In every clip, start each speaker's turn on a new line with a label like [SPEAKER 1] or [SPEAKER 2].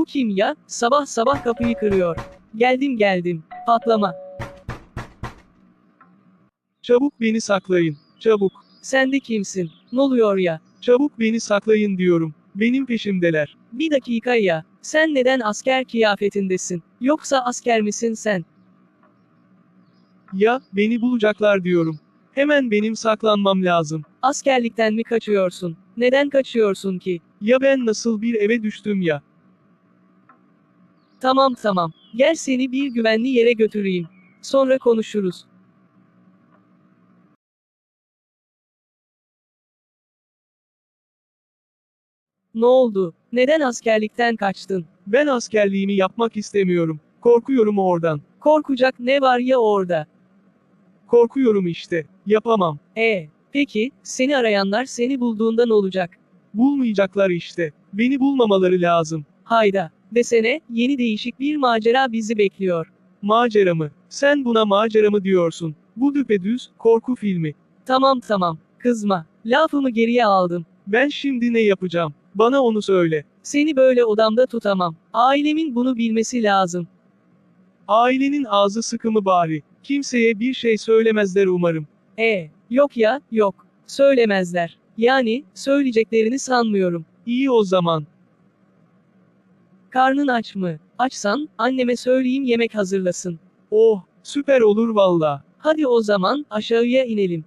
[SPEAKER 1] Bu kim ya? Sabah sabah kapıyı kırıyor. Geldim. Patlama.
[SPEAKER 2] Çabuk beni saklayın. Çabuk.
[SPEAKER 1] Sen de kimsin? Ne oluyor ya?
[SPEAKER 2] Çabuk beni saklayın diyorum. Benim peşimdeler.
[SPEAKER 1] Bir dakika ya. Sen neden asker kıyafetindesin? Yoksa asker misin sen?
[SPEAKER 2] Ya, beni bulacaklar diyorum. Hemen benim saklanmam lazım.
[SPEAKER 1] Askerlikten mi kaçıyorsun? Neden kaçıyorsun ki?
[SPEAKER 2] Ya ben nasıl bir eve düştüm ya?
[SPEAKER 1] Tamam. Gel seni bir güvenli yere götüreyim. Sonra konuşuruz. Ne oldu? Neden askerlikten kaçtın?
[SPEAKER 2] Ben askerliğimi yapmak istemiyorum. Korkuyorum oradan.
[SPEAKER 1] Korkacak ne var ya orada?
[SPEAKER 2] Korkuyorum işte. Yapamam.
[SPEAKER 1] Peki, seni arayanlar seni bulduğunda ne olacak?
[SPEAKER 2] Bulmayacaklar işte. Beni bulmamaları lazım.
[SPEAKER 1] Hayda, desene, yeni değişik bir macera bizi bekliyor.
[SPEAKER 2] Macera mı? Sen buna macera mı diyorsun? Bu düpedüz korku filmi.
[SPEAKER 1] Tamam, kızma. Lafımı geriye aldım.
[SPEAKER 2] Ben şimdi ne yapacağım? Bana onu söyle.
[SPEAKER 1] Seni böyle odamda tutamam. Ailemin bunu bilmesi lazım.
[SPEAKER 2] Ailenin ağzı sıkı mı bari? Kimseye bir şey söylemezler umarım.
[SPEAKER 1] Yok ya, yok. Söylemezler. Yani, söyleyeceklerini sanmıyorum.
[SPEAKER 2] İyi o zaman.
[SPEAKER 1] Karnın aç mı? Açsan, anneme söyleyeyim yemek hazırlasın.
[SPEAKER 2] Oh, süper olur valla.
[SPEAKER 1] Hadi o zaman, aşağıya inelim.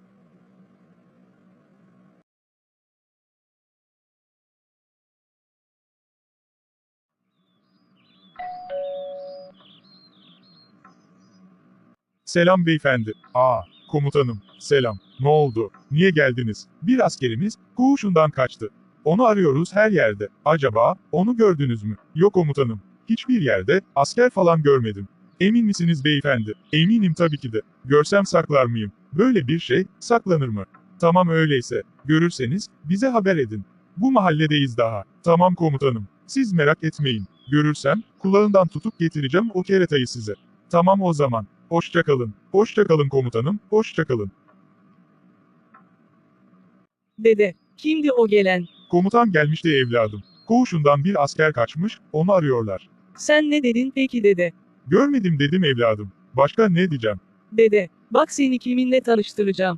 [SPEAKER 3] Selam beyefendi. Komutanım, selam. Ne oldu? Niye geldiniz? Bir askerimiz, koğuşundan kaçtı. Onu arıyoruz her yerde. Acaba, onu gördünüz mü? Yok komutanım. Hiçbir yerde, asker falan görmedim. Emin misiniz beyefendi? Eminim tabii ki de. Görsem saklar mıyım? Böyle bir şey, saklanır mı? Tamam öyleyse. Görürseniz, bize haber edin. Bu mahalledeyiz daha. Tamam komutanım. Siz merak etmeyin. Görürsem, kulağından tutup getireceğim o keretayı size. Tamam o zaman. Hoşça kalın. Hoşça kalın komutanım. Hoşça kalın.
[SPEAKER 1] Dede, kimdi o gelen?
[SPEAKER 3] Komutan gelmişti evladım. Koğuşundan bir asker kaçmış, onu arıyorlar.
[SPEAKER 1] Sen ne dedin peki dede?
[SPEAKER 3] Görmedim dedim evladım. Başka ne diyeceğim?
[SPEAKER 1] Dede, bak seni kiminle tanıştıracağım.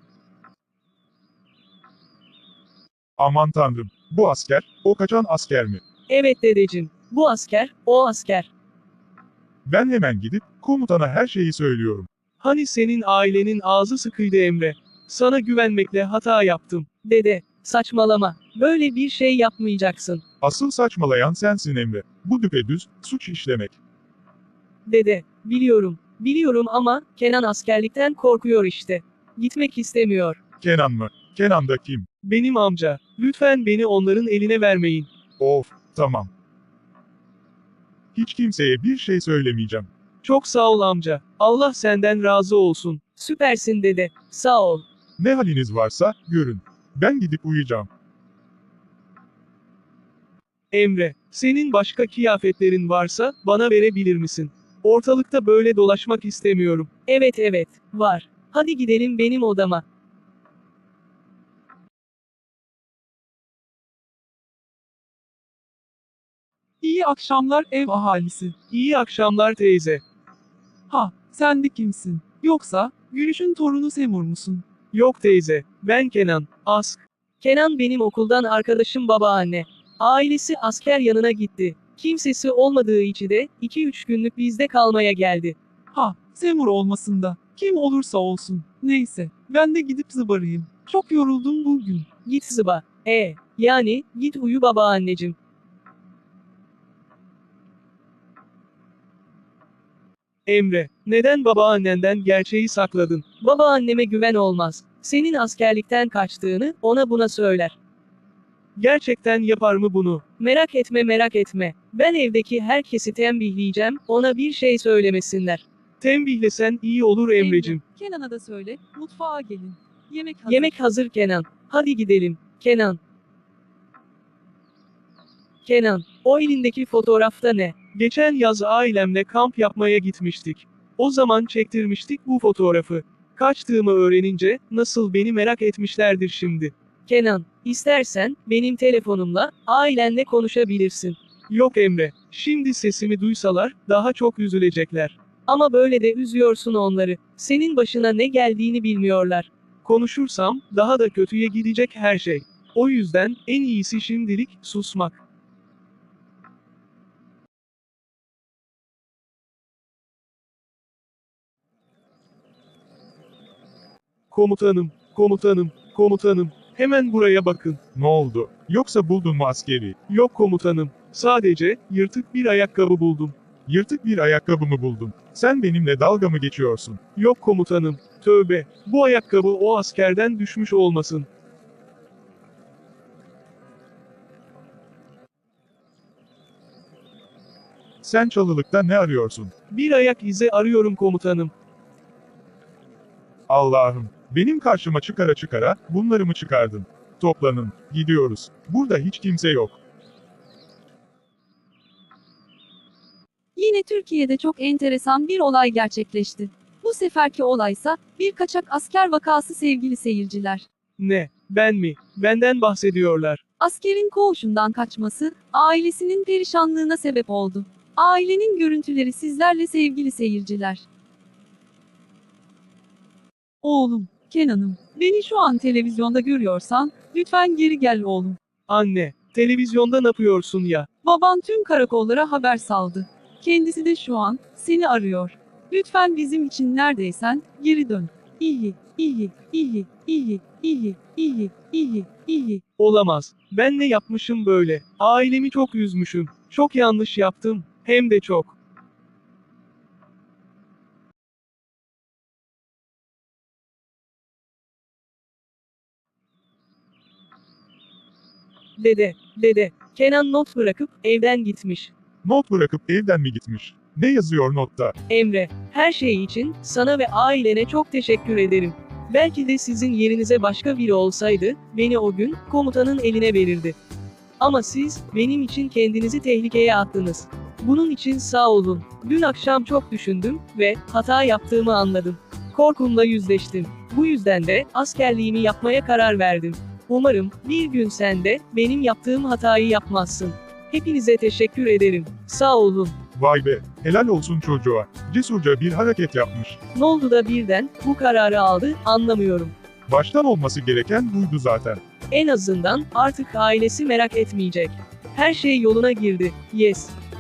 [SPEAKER 3] Aman tanrım. Bu asker, o kaçan asker mi?
[SPEAKER 1] Evet dedeciğim, bu asker, o asker.
[SPEAKER 3] Ben hemen gidip, komutana her şeyi söylüyorum.
[SPEAKER 2] Hani senin ailenin ağzı sıkıydı Emre. Sana güvenmekle hata yaptım.
[SPEAKER 1] Dede, saçmalama. Böyle bir şey yapmayacaksın.
[SPEAKER 3] Asıl saçmalayan sensin Emre. Bu düpedüz, suç işlemek.
[SPEAKER 1] Dede, biliyorum ama Kenan askerlikten korkuyor işte. Gitmek istemiyor.
[SPEAKER 3] Kenan mı? Kenan da kim?
[SPEAKER 2] Benim amca. Lütfen beni onların eline vermeyin.
[SPEAKER 3] Of, tamam. Hiç kimseye bir şey söylemeyeceğim.
[SPEAKER 2] Çok sağ ol amca. Allah senden razı olsun.
[SPEAKER 1] Süpersin dede. Sağ ol.
[SPEAKER 3] Ne haliniz varsa, görün. Ben gidip uyuyacağım.
[SPEAKER 2] Emre, senin başka kıyafetlerin varsa bana verebilir misin? Ortalıkta böyle dolaşmak istemiyorum.
[SPEAKER 1] Evet, var. Hadi gidelim benim odama.
[SPEAKER 4] İyi akşamlar ev ahalisi.
[SPEAKER 2] İyi akşamlar teyze.
[SPEAKER 4] Sen de kimsin? Yoksa, Gülüş'ün torunu Semur musun?
[SPEAKER 2] Yok teyze, ben Kenan. Ask.
[SPEAKER 1] Kenan benim okuldan arkadaşım babaanne. Ailesi asker yanına gitti. Kimsesi olmadığı için de 2-3 günlük bizde kalmaya geldi.
[SPEAKER 4] Semur olmasın da, kim olursa olsun. Neyse, ben de gidip zıbarayım. Çok yoruldum bugün.
[SPEAKER 1] Git zıba. Yani, git uyu babaanneciğim.
[SPEAKER 2] Emre, neden babaannenden gerçeği sakladın?
[SPEAKER 1] Babaanneme güven olmaz. Senin askerlikten kaçtığını ona buna söyler.
[SPEAKER 2] Gerçekten yapar mı bunu?
[SPEAKER 1] Merak etme. Ben evdeki herkesi tembihleyeceğim, ona bir şey söylemesinler.
[SPEAKER 2] Tembihlesen iyi olur Emrecim.
[SPEAKER 4] Kenan'a da söyle, mutfağa gelin. Yemek hazır.
[SPEAKER 1] Yemek hazır Kenan. Hadi gidelim. Kenan, o elindeki fotoğrafta ne?
[SPEAKER 2] Geçen yaz ailemle kamp yapmaya gitmiştik. O zaman çektirmiştik bu fotoğrafı. Kaçtığımı öğrenince, nasıl beni merak etmişlerdir şimdi.
[SPEAKER 1] Kenan, istersen, benim telefonumla, ailenle konuşabilirsin.
[SPEAKER 2] Yok Emre, şimdi sesimi duysalar, daha çok üzülecekler.
[SPEAKER 1] Ama böyle de üzüyorsun onları. Senin başına ne geldiğini bilmiyorlar.
[SPEAKER 2] Konuşursam, daha da kötüye gidecek her şey. O yüzden, en iyisi şimdilik, susmak. Komutanım, komutanım, komutanım, hemen buraya bakın.
[SPEAKER 3] Ne oldu? Yoksa buldun mu askeri?
[SPEAKER 2] Yok komutanım, sadece, yırtık bir ayakkabı buldum.
[SPEAKER 3] Yırtık bir ayakkabı mı buldun? Sen benimle dalga mı geçiyorsun?
[SPEAKER 2] Yok komutanım, tövbe, bu ayakkabı o askerden düşmüş olmasın.
[SPEAKER 3] Sen çalılıkta ne arıyorsun?
[SPEAKER 2] Bir ayak izi arıyorum komutanım.
[SPEAKER 3] Allah'ım, benim karşıma çıkara çıkara, bunları mı çıkardın? Toplanın, gidiyoruz. Burada hiç kimse yok.
[SPEAKER 5] Yine Türkiye'de çok enteresan bir olay gerçekleşti. Bu seferki olaysa bir kaçak asker vakası sevgili seyirciler.
[SPEAKER 2] Ne, ben mi? Benden bahsediyorlar.
[SPEAKER 5] Askerin koğuşundan kaçması ailesinin perişanlığına sebep oldu. Ailenin görüntüleri sizlerle sevgili seyirciler.
[SPEAKER 4] Oğlum, Kenan'ım, beni şu an televizyonda görüyorsan, lütfen geri gel oğlum.
[SPEAKER 2] Anne, televizyonda ne yapıyorsun ya?
[SPEAKER 4] Baban tüm karakollara haber saldı. Kendisi de şu an, seni arıyor. Lütfen bizim için neredeysen, geri dön. İyi, iyi, iyi, iyi, iyi, iyi, iyi, iyi.
[SPEAKER 2] Olamaz. Ben ne yapmışım böyle? Ailemi çok üzmüşüm. Çok yanlış yaptım. Hem de çok.
[SPEAKER 1] Dede, Kenan not bırakıp evden gitmiş.
[SPEAKER 3] Not bırakıp evden mi gitmiş? Ne yazıyor notta?
[SPEAKER 1] Emre, her şey için sana ve ailene çok teşekkür ederim. Belki de sizin yerinize başka biri olsaydı, beni o gün komutanın eline verirdi. Ama siz, benim için kendinizi tehlikeye attınız. Bunun için sağ olun. Dün akşam çok düşündüm ve hata yaptığımı anladım. Korkumla yüzleştim. Bu yüzden de askerliğimi yapmaya karar verdim. Umarım bir gün sen de benim yaptığım hatayı yapmazsın. Hepinize teşekkür ederim. Sağ olun.
[SPEAKER 3] Vay be, helal olsun çocuğa. Cesurca bir hareket yapmış.
[SPEAKER 1] Ne oldu da birden bu kararı aldı, anlamıyorum.
[SPEAKER 3] Baştan olması gereken buydu zaten.
[SPEAKER 1] En azından artık ailesi merak etmeyecek. Her şey yoluna girdi. Yes.